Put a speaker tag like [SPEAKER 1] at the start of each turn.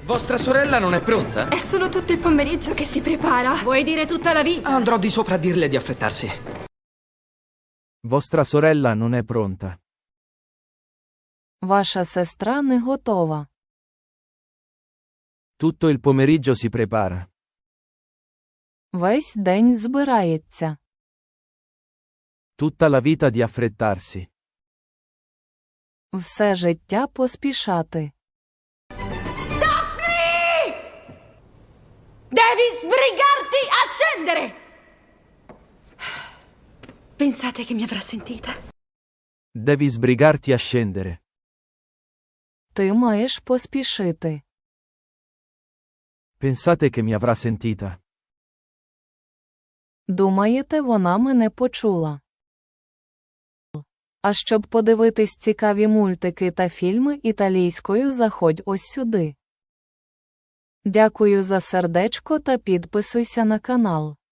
[SPEAKER 1] Vostra sorella non è pronta?
[SPEAKER 2] È solo tutto il pomeriggio che si prepara.
[SPEAKER 3] Vuoi dire tutta la vita?
[SPEAKER 1] Andrò di sopra a dirle di affrettarsi.
[SPEAKER 4] Vostra sorella non è pronta.
[SPEAKER 5] Ваша сестра не готова.
[SPEAKER 4] Tutto il pomeriggio si prepara.
[SPEAKER 5] Весь день збирається.
[SPEAKER 4] Tutta la vita di affrettarsi.
[SPEAKER 5] Все життя поспішати.
[SPEAKER 3] Devi sbrigarti a scendere!
[SPEAKER 2] Pensate che mi avrà sentita?
[SPEAKER 4] Devi sbrigarti a scendere.
[SPEAKER 5] Ти маєш поспішити.
[SPEAKER 4] Pensate che mi avrà sentita?
[SPEAKER 5] Думаєте, вона мене почула? А щоб подивитись цікаві мультики та фільми італійською, заходь ось сюди. Дякую за сердечко та підписуйся на канал.